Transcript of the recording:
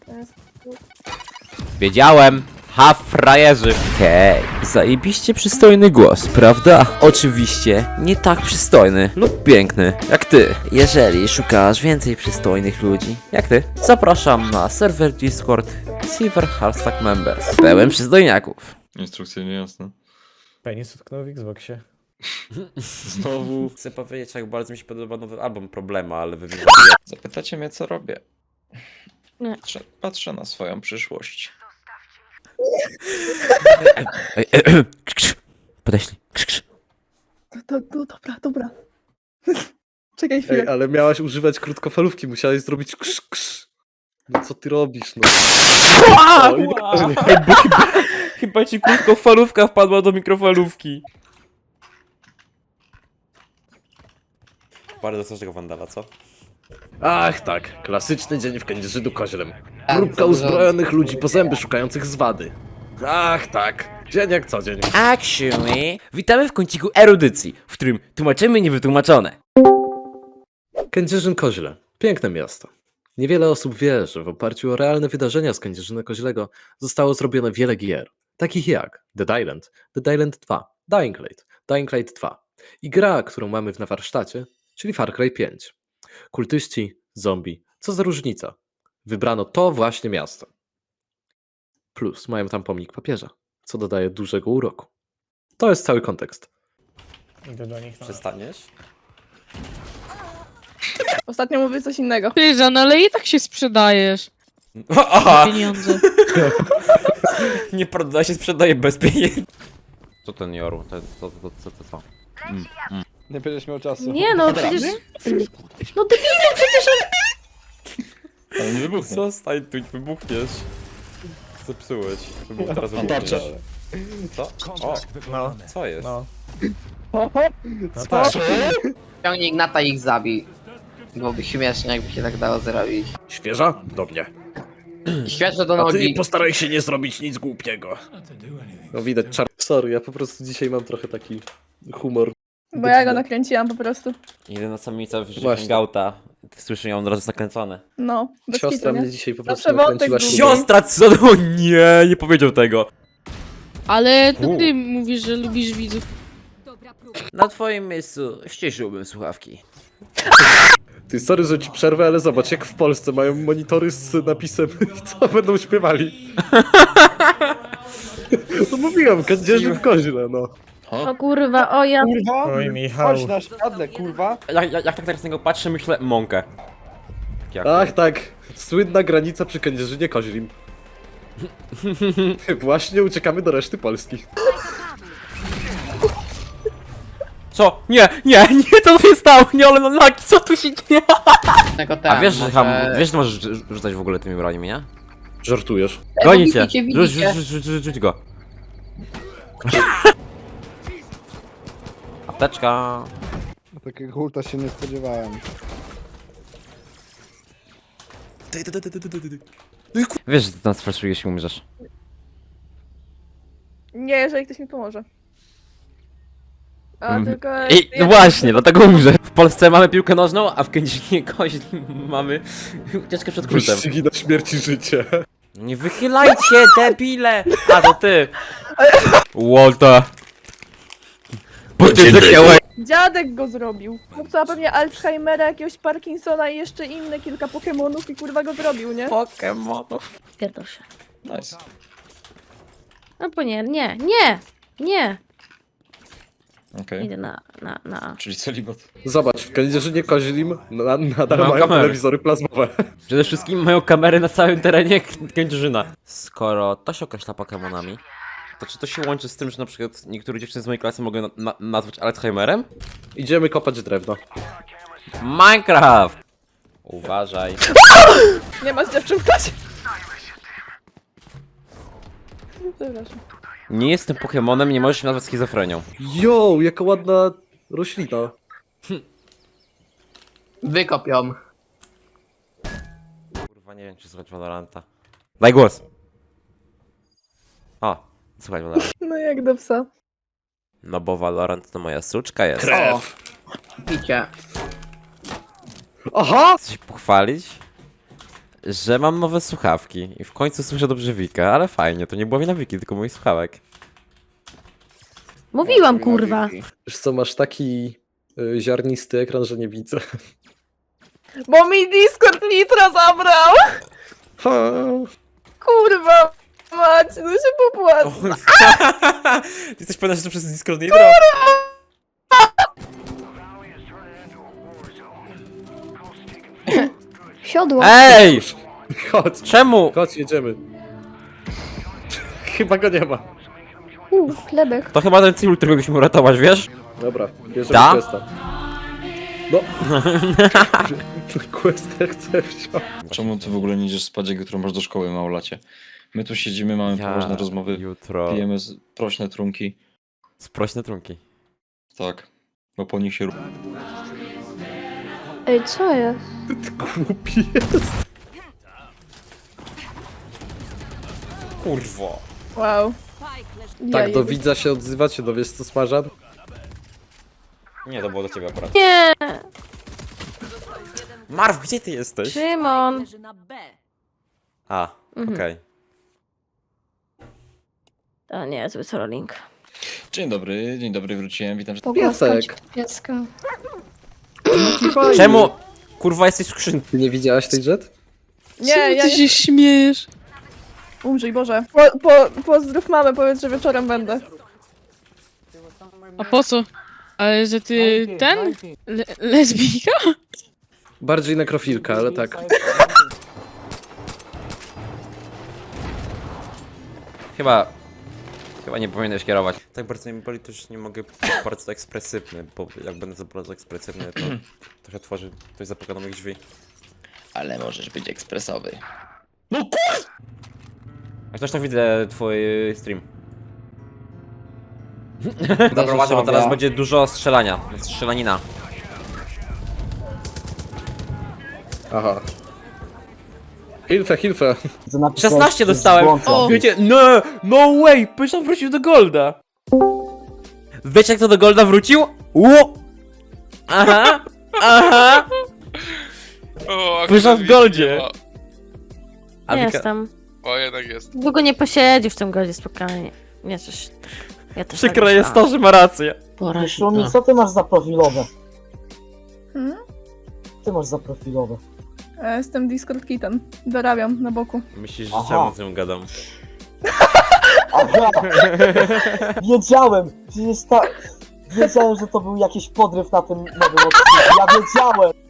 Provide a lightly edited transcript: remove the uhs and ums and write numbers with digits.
Wiedziałem! Ha, frajerzy! Hej, zajebiście przystojny głos, prawda? Oczywiście, nie tak przystojny lub piękny, jak ty. Jeżeli szukasz więcej przystojnych ludzi, jak ty, zapraszam na serwer Discord Silver Hashtag Members. Pełen przystojniaków. Instrukcje niejasne. Penis utknął w Xboxie. Znowu. Chcę powiedzieć, jak bardzo mi się podoba nowy album Problema, ale wy Zapytacie mnie, co robię. Nie. Patrzę na swoją przyszłość. Podeślij. Dobra. Czekaj chwilę. Ej, ale miałaś używać krótkofalówki, musiałeś zrobić ksz. No co ty robisz, no? Chyba ci krótkofalówka wpadła do mikrofalówki. Bardzo strasznego wandala, co? Ach tak, klasyczny dzień w Kędzierzynu Koźlem. Grupka uzbrojonych ludzi po zęby szukających zwady. Ach tak, dzień jak co dzień. Actually, witamy w kąciku erudycji, w którym tłumaczymy niewytłumaczone. Kędzierzyn Koźle. Piękne miasto. Niewiele osób wie, że w oparciu o realne wydarzenia z Kędzierzyna Koźlego zostało zrobione wiele gier, takich jak Dead Island, Dead Island 2, Dying Light 2 i gra, którą mamy na warsztacie, czyli Far Cry 5. Kultyści, zombie, co za różnica? Wybrano to właśnie miasto. Plus mają tam pomnik papieża, co dodaje dużego uroku. To jest cały kontekst. Idę do nich. Przestaniesz? Ostatnio mówię coś innego. Pyżan, ale i tak się sprzedajesz. Aha! Pieniądze. Nie proda się, sprzedaje bez pieniędzy. Co ten Joru? Co? Nie będziesz miał czasu. Nie no, przecież... No debilem przecież on... Ale nie wybuchnie. Zostań tu, wybuchniesz. Zepsułeś. Wybuch teraz Tarcza. Co? O, No, co jest? no. No tak. Ciągnij Ignata i ich zabij. Byłoby śmiesznie, jakby się tak dało zrobić. Świeża? Do mnie. Świeże do A ty nogi. postaraj się nie zrobić nic głupiego. No widać czar... Sorry, ja po prostu dzisiaj mam trochę taki humor. Bo ja go nakręciłam po prostu. Idę na samicę w Właśnie. hangouta. Słyszę ją od razu zakręcone. No, bez Siostra kitu, nie? mnie dzisiaj po Zawsze prostu nakręciła wątek się. długi. Siostra, co? No nie powiedział tego. Ale to ty mówisz, że lubisz widzów. Na twoim miejscu ściszyłbym słuchawki. Ty, sorry, że ci przerwę, ale zobacz, jak w Polsce mają monitory z napisem co będą śpiewali. No mówiłem, Kędzierzyn Koźle, no. O kurwa, o ja... Kurwa! Oj, Michał. Chodź na szpadle, kurwa! Jak tak teraz na niego patrzę, myślę mąkę. Jak Ach tak, słynna granica przy Kędzierzynie Koźlim. Właśnie uciekamy do reszty Polski. Co? Nie, to się stało, nie, ale no co tu się dzieje? A wiesz, że wiesz, że możesz rzucać w ogóle tymi broniami, nie? Żartujesz. Goni cię. Widzicie. Rzuć go. Apteczka. Takiego hulta się nie spodziewałem. Wiesz, że ty nas fraszujesz i umrzesz. Nie, jeżeli ktoś mi pomoże. A tylko... No właśnie, dlatego umrzę. W Polsce mamy piłkę nożną, a w Kędzierzynie Koźlu mamy ucieczkę przed kultem. Wyścigi na śmierć i życie. Nie wychylajcie, debile! A to ty! Walter! Dziadek go zrobił. Chłopca pewnie Alzheimera, jakiegoś Parkinsona i jeszcze inne kilka Pokemonów i kurwa go zrobił, nie? Pokemonów. Pierdol się. Nice. No bo nie. Okej. Idę na A. Czyli celibat. Zobacz, w Kędzierzynie Koźlim nadal Mają mają kamery. telewizory plazmowe. Przede wszystkim mają kamery na całym terenie Kędzierzyna. Skoro to się określa Pokemonami, to czy to się łączy z tym, że na przykład niektóre dziewczyny z mojej klasy mogą nazwać Alzheimerem? Idziemy kopać drewno. Minecraft! Uważaj. Nie ma z dziewczyn w klasie. Przepraszam. Nie jestem Pokemonem, nie możesz się nazwać schizofrenią. Jo, jaka ładna roślina. Wykopią. Kurwa, nie wiem, czy słuchać Valoranta. Daj głos! O, słuchaj Valorant. No jak do psa. No bo Valorant to moja suczka jest. Krew. Picie. Aha! Chcesz się pochwalić? że mam nowe słuchawki i w końcu słyszę dobrze Wika, ale fajnie, to nie było wina Wiki, tylko moich słuchawek. Mówiłam, kurwa. Wiesz co, masz taki ziarnisty ekran, że nie widzę. Bo mi Discord Nitro zabrał! Ha. Kurwa mać, no się popłacę. Ty jesteś pewna, że to przez Discord Nitro? Siodło. Ej! Chodź, Czemu? chodź, jedziemy. Chyba go nie ma. Chlebek. To chyba ten cywil, którego musimy uratować, wiesz? Dobra, bierzemy Da? questa. No. Questa chcę wziąć. Czemu ty w ogóle nie idziesz spać, jak jutro masz do szkoły, małolacie? My tu siedzimy, mamy poważne rozmowy, Jutro... pijemy prośne trunki. Sprośne trunki. Tak, bo po nich się... Ej, co jest? Głupi jest. Kurwo. Wow. Tak, do Jaje. widza się odzywacie, no wiesz co, Smażan? Nie, to było do ciebie akurat. Nie! Marw, gdzie ty jesteś? Szymon! A, okej. To nie, zły trolling. Dzień dobry, wróciłem, witam. Piesek. Pieska. Czemu? Kurwa, jesteś w skrzynce. Ty nie widziałaś tej jet? Nie, Czemu ja ty nie... się śmiejesz? Umrzyj, Boże. Pozdrów mamę, powiedz, że wieczorem będę. A po co? Ale że ty ten? Lesbijka? Bardziej nekrofilka, ale tak. Chyba nie powinieneś kierować. Tak bardzo mnie boli, to już nie mogę być bardzo ekspresywny, bo jak będę za bardzo ekspresywny, to trochę tworzy ktoś zapuka do moich drzwi. Ale możesz być ekspresowy. Jak zresztą widzę twój stream. Dobra, uważaj, bo teraz będzie dużo strzelania, strzelanina. Aha. Hilfe. 16 dostałem! O. Wiecie, no way! Pyszan wrócił do Golda! Wiecie jak to do Golda wrócił? Ło! Aha! Pyszan w Goldzie! A Wika... Jestem. O, jednak jest. Długo nie posiedzi w tym godzie, spokojnie. Nie, coś... Ja też Przykre tak jest to, myślałam. że ma rację. Szumi, co ty masz za profilowe? Hmm? Ty masz za profilowe. Ja jestem Discord Kitten. Dorabiam na boku. Myślisz, że Aha. czemu z nią gadam? Aha! Wiedziałem! Przecież Wiedziałem, że to był jakiś podryw na tym nowym odcinku. Ja wiedziałem!